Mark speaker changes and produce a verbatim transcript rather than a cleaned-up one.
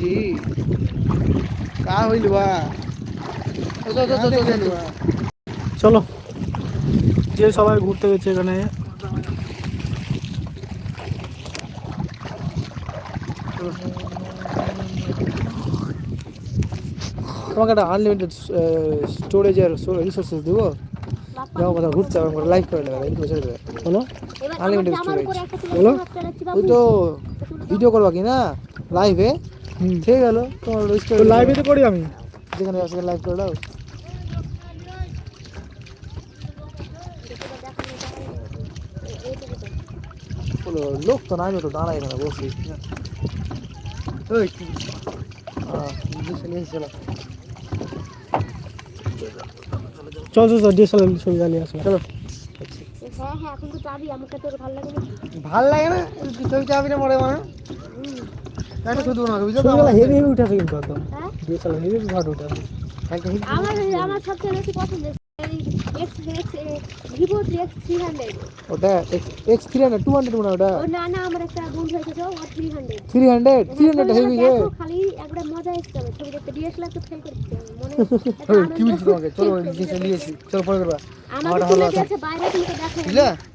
Speaker 1: जी का होइल बा
Speaker 2: চলো যে সবাই ঘুরতে গেছে এখানে তোমাকে একটা আনলিমিটেড স্টোরেজ আর রিসোর্সেস দেবো যাও কোথাও ঘুরতে হবে লাইভ করে নেবে লাইভ করে দেবে বলো আনলিমিটেড স্টোরেজ বলো ওই তো ভিডিও করবা কি না লাইভে ঠিক গেল তোমার স্টোরেজ লাইভে তো করি আমি যেখানে আছে লাইভ করে দাও বলো লোক তো নাই তো দাঁড়ায় এখানে বসে ওই হ্যাঁ চলে চলো চল চল ডিএসএলআর ছবি জ্বালিয়ে আসো চলো
Speaker 3: হ্যাঁ হ্যাঁ এখন তো চাবি আমাকে তোর ভালো লাগে না
Speaker 1: ভালো লাগে না তুই চাবি না মরে মানে এটা শুধু না বুঝছো তো
Speaker 2: হেভি হেভি উঠেছে কিন্তু একদম ডিএসএলআর হেভি ভাট উঠেছে
Speaker 3: আমার আমার সবচেয়ে বেশি পছন্দ X X Vivo X three hundred
Speaker 2: ওটা X three hundred two hundred মনে ওটা
Speaker 3: ও না না আমার একটা বন্ধু হয়েছে তো ও three hundred
Speaker 2: three hundred three hundred heavy রে
Speaker 3: খালি একটা মজা এসেছে ছবি দেখতে ডিএসএলআর তো ফেল করতে মনে
Speaker 1: কি বলছিস তোমাকে চলো ডিএসএলআর নিয়েছি চলো পরে করবা
Speaker 3: আমারটা হলো আছে বাইরে থেকে দেখো
Speaker 1: বুঝলা